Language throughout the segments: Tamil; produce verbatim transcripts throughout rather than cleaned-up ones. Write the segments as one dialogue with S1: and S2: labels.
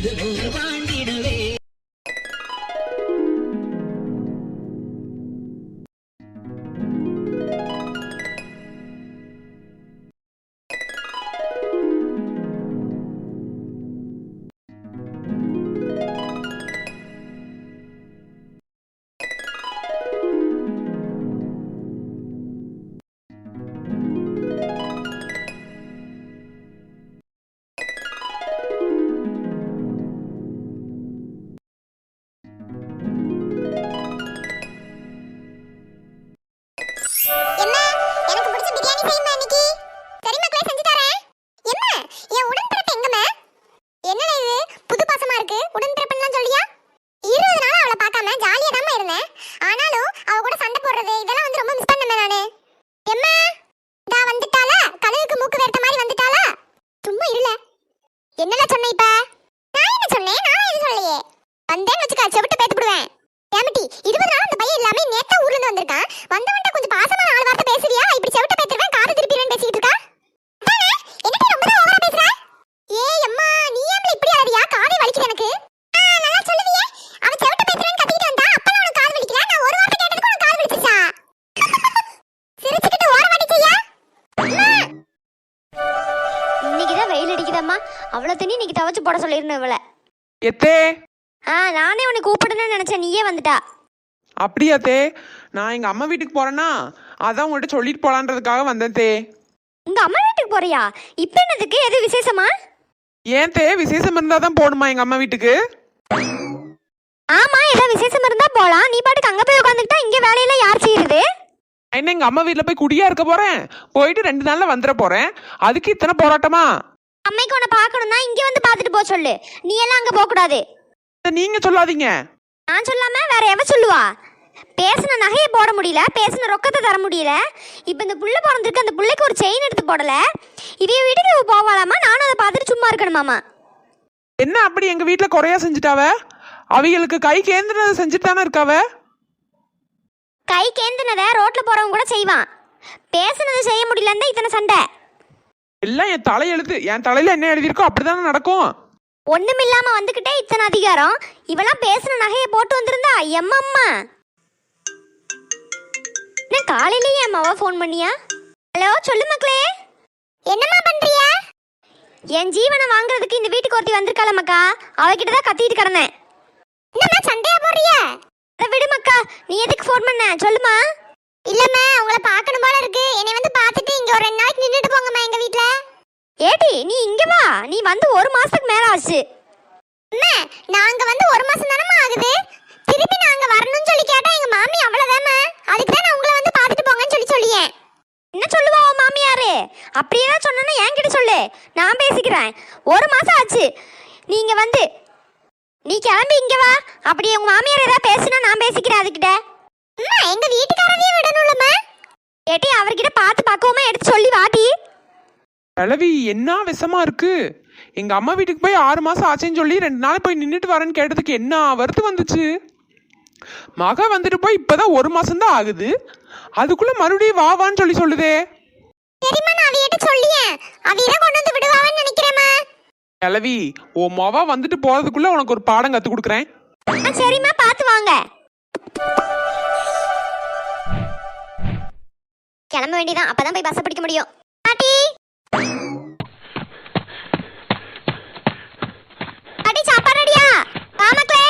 S1: அவ்வளவு தண்ணி நீங்க தவச்சு போட சொல்லிருந்தேன் இவள.
S2: எத்தே
S1: ஆ நானே உன்னை கூப்பிடணும்னு நினைச்சேன், நீயே வந்துட்டா.
S2: அப்படியா தே? நான் எங்க அம்மா வீட்டுக்கு போறேன்னா அதான் உங்கள்கிட்ட சொல்லிட்டு போலான்றதுக்காக வந்தேன் தே.
S1: உங்க அம்மா வீட்டுக்கு போறியா? இப்ப என்னதுக்கு? எது விசேஷமா?
S2: ஏன் தே, விசேஷம் இருந்தா தான் போகணுமா எங்க அம்மா வீட்டுக்கு?
S1: ஆமா, ஏதோ விசேஷம் இருந்தா போலாம். நீ பாட்டுக்கு அங்க போய் உட்காந்துக்கிட்டா இங்க வேலையெல்லாம் யார் செய்யுது?
S2: என்ன எங்க அம்மா வீட்டுல போய் குடியா இருக்க போறேன், போயிட்டு ரெண்டு நாள்ல வந்துட போறேன், அதுக்கு இத்தனை போராட்டமா?
S1: அம்மைக்கு உன்னை பாக்கணும்னா இங்க வந்து பாத்துட்டு போக சொல்லு, நீ எல்லாம் அங்க போக கூடாது.
S2: நீங்க சொல்லாதீங்க.
S1: நான் சொல்லாம வேற எவ சொல்லுவா? பேசின நகையை போட முடியல, பேசின ரொக்கத்தை தர முடியல. இப்ப இந்த புள்ள பிறந்திருக்கு, அந்த புள்ளைக்கு ஒரு செயின் எடுத்து போடல. இவைய வீட்டுக்கு போவாளாமா, நானும் அதை பார்த்துட்டு சும்மா இருக்கணுமாமா.
S2: என்ன அப்படி எங்க வீட்டுல குறையா செஞ்சுட்டாவ? அவைகளுக்கு கை கேந்திரதை செஞ்சுட்டு தானே இருக்காவ.
S1: கை கேந்தினதை ரோட்ல போறவங்க கூட செய்வான், பேசினதை செய்ய முடியலன்னு இத்தனை சண்டை.
S2: எல்லாம் என் தலையெழுத்து, என் தலையில என்ன எழுதியிருக்கோ அப்படித்தானே நடக்கும்.
S1: ஒண்ணுமில்லாம வந்துகிட்டே இத்தனை அதிகாரம். இவெல்லாம் பேசின நகையை போட்டு வந்திருந்தா எம்மம்மா. நான் காலையிலேயே என் அம்மாவா ஃபோன் பண்ணியா? ஹலோ, சொல்லு மக்களே, என்னம்மா பண்றிய? என் ஜீவனை வாங்குறதுக்கு இந்த வீட்டுக்கு ஒருத்தி வந்திருக்காள மக்கா, அவகிட்ட தான் கத்திட்டு கிடந்தேன். என்னம்மா சண்டையா போறிய? அதை விடு மக்கா, நீ எதுக்கு ஃபோன் பண்ண சொல்லுமா. இல்லம்மா, உங்களை பார்க்கணும் போல இருக்கு, என்னை வந்து பார்த்துட்டு இங்க ஒரு ரெண்டு நாளைக்கு நின்றுட்டு போங்கம்மா எங்க வீட்டுல. ஏடி நீ இங்க வா, நீ வந்து ஒரு மாசத்துக்கு மேல ஆச்சு. அம்மா நாங்க வந்து ஒரு மாசம் தானம்மா ஆகுது, திருப்பி நாங்க வரணும்னு சொல்லி கேட்டா எங்க மாமி அவ்வளவுதாம்மா, அதுக்கு தான் நான் உங்களை வந்து பார்த்துட்டு போங்கன்னு சொல்லி சொல்லியேன். என்ன சொல்லுவா உன் மாமியாரு? அப்படியே தான் சொன்னா என்கிட்ட சொல்லு, நான் பேசிக்கிறேன். ஒரு மாசம் ஆச்சு, நீங்க வந்து நீ கிளம்பி இங்க வா. அப்படியே உங்க மாமியார் ஏதாவது பேசுனா நான் பேசிக்கிறேன் அதுகிட்ட. அம்மா எங்க வீட்டுக்காரவே விடணும்லம்மா. ஏட்டி அவர்கிட்ட பார்த்து பக்குவமா எடுத்து சொல்லி வாட்டி.
S2: கிழவி என்ன விஷமா இருக்கு? எங்க அம்மா வீட்டுக்கு போய் ஆறு மாசம் ஆச்சுன்னு சொல்லி ரெண்டு நாள் போய் நின்றுட்டு வரேன்னு கேட்டதுக்கு என்ன வருத்து வந்துச்சு? மக வந்துட்டு போய் இப்பதான் ஒரு மாசம் தான் ஆகுது, அதுக்குள்ள மறுபடியும் வா வான்னு சொல்லி சொல்லுதே.
S1: சரிம்மா, நான் அவியிட்ட சொல்லியேன், அவியிட கொண்டு வந்து விடுவான்னு நினைக்கிறேம்மா.
S2: கிழவி, ஓ மவ வந்துட்டு போறதுக்குள்ள உனக்கு ஒரு பாடம் கத்து கொடுக்குறேன்.
S1: சரிம்மா, பார்த்து வாங்க. கிளம்ப வேண்டியதான், அப்பதான் போய் பஸ் பிடிக்க முடியும். பாட்டி பாட்டி, சாப்பாடு ரெடியா? வா மக்களே.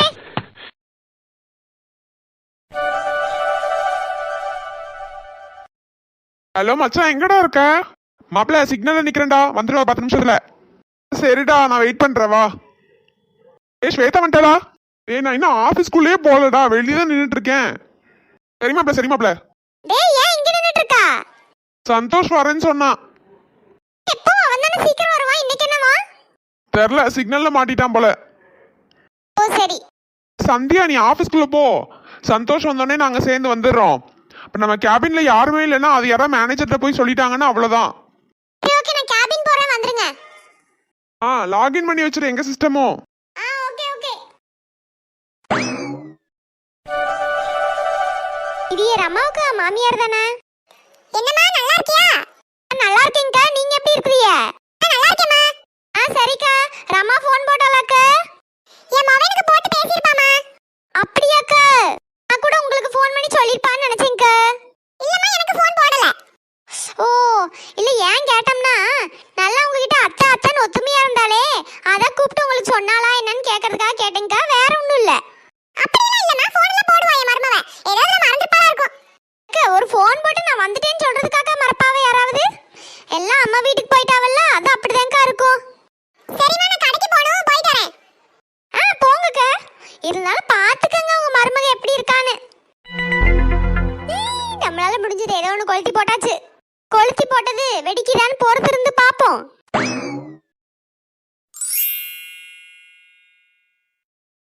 S2: ஹலோ மச்சான், எங்கடா இருக்க? மாப்பிள்ள சிக்னல்ல நிக்கிறேன்டா, வந்துடுவா பத்து நிமிஷத்துல. சரிடா, நான் வெயிட் பண்றேன், வா. ஏ ஸ்வேதா வந்துட்டா? ஏ நான் இன்னும் ஆபீஸ்க்குள்ளேயே போகலடா, வெளியே தான் நின்றுட்டு இருக்கேன். சரி மாப்பிள்ள, சரி மாப்பிள்ள.
S1: டேய் ஏன் இங்க நின்னுட்டு இருக்கா?
S2: சந்தோஷ் வரேன்னு சொன்னான்.
S1: எப்போ வந்தானே சீக்கிரம் வருவான், இன்னைக்கு என்னவா?
S2: தெரியல, சிக்னல்ல மாட்டிட்டான் போல.
S1: ஓ சரி.
S2: சந்தியா நீ ஆபீஸ்க்குள்ள போ, சந்தோஷ் வந்தோடனே நாங்க சேர்ந்து வந்துடுறோம். இப்ப நம்ம கேபின்ல யாருமே இல்லைன்னா அது யாராவது மேனேஜர்கிட்ட போய் சொல்லிட்டாங்கன்னா அவ்வளவுதான்.
S1: ஓகே, நான் கேபின் போறேன், வந்துருங்க.
S2: ஆ லாகின் பண்ணி வச்சிரு எங்க சிஸ்டமோ.
S1: ஆ ஓகே ஓகே. இது ரமாவுக்கு மாமியார் தானே? என்னம்மா நல்லா இருக்கியா? நல்லா இருக்கேன்க்கா, நீங்க எப்படி இருக்கீங்க? நல்லா இருக்கேம்மா. ஆ சரிக்கா, ரமா ஃபோன் போட்டாளாக்கா? என் மவனுக்கு போட்டு பேசிருப்பாமா. அப்படியாக்கா? நான் கூட உங்களுக்கு ஃபோன் பண்ணி சொல்லிருப்பான்னு நினைச்சேன்க்கா. இல்லம்மா, எனக்கு ஃபோன் போடல. ஓ, இல்ல ஏன் கேட்டோம்னா நல்லா உங்ககிட்ட அத்தை அத்தைன்னு ஒத்துமையா இருந்தாலே அத கூப்பிட்டு உங்களுக்கு சொன்னாலா என்னன்னு கேக்குறதுக்காக கேட்டேன்க்கா. வேற ஒண்ணும் இல்ல. அப்படிலாம் இல்லம்மா, ஃபோன்ல போடுவா என் மருமவ. ஏதாவது மறந்துட்டா இருக்கும். அக்கா, ஒரு ஃபோன் போட்டு நான் வந்துட்டேன்னு சொல்றதுக்காக மறப்பாவ யாராவது? எல்லாம் அம்மா வீட்டுக்கு போயிட்டாவல்ல, அது அப்படிதான்க்கா இருக்கும். சரிம்மா, நான் கடைக்கு போணும், போயிட்டு வரேன். ஆ, போங்கக்கா. இருந்தாலும் பாத்துக்கங்க உங்க மருமக எப்படி இருக்கான்னு. ஈ, நம்மளால முடிஞ்சது ஏதோ ஒன்று கொளுத்தி போட்டாச்சு. கொளுத்தி போட்டது வெடிக்குதான்னு பொறுத்து இருந்து பாப்போம்.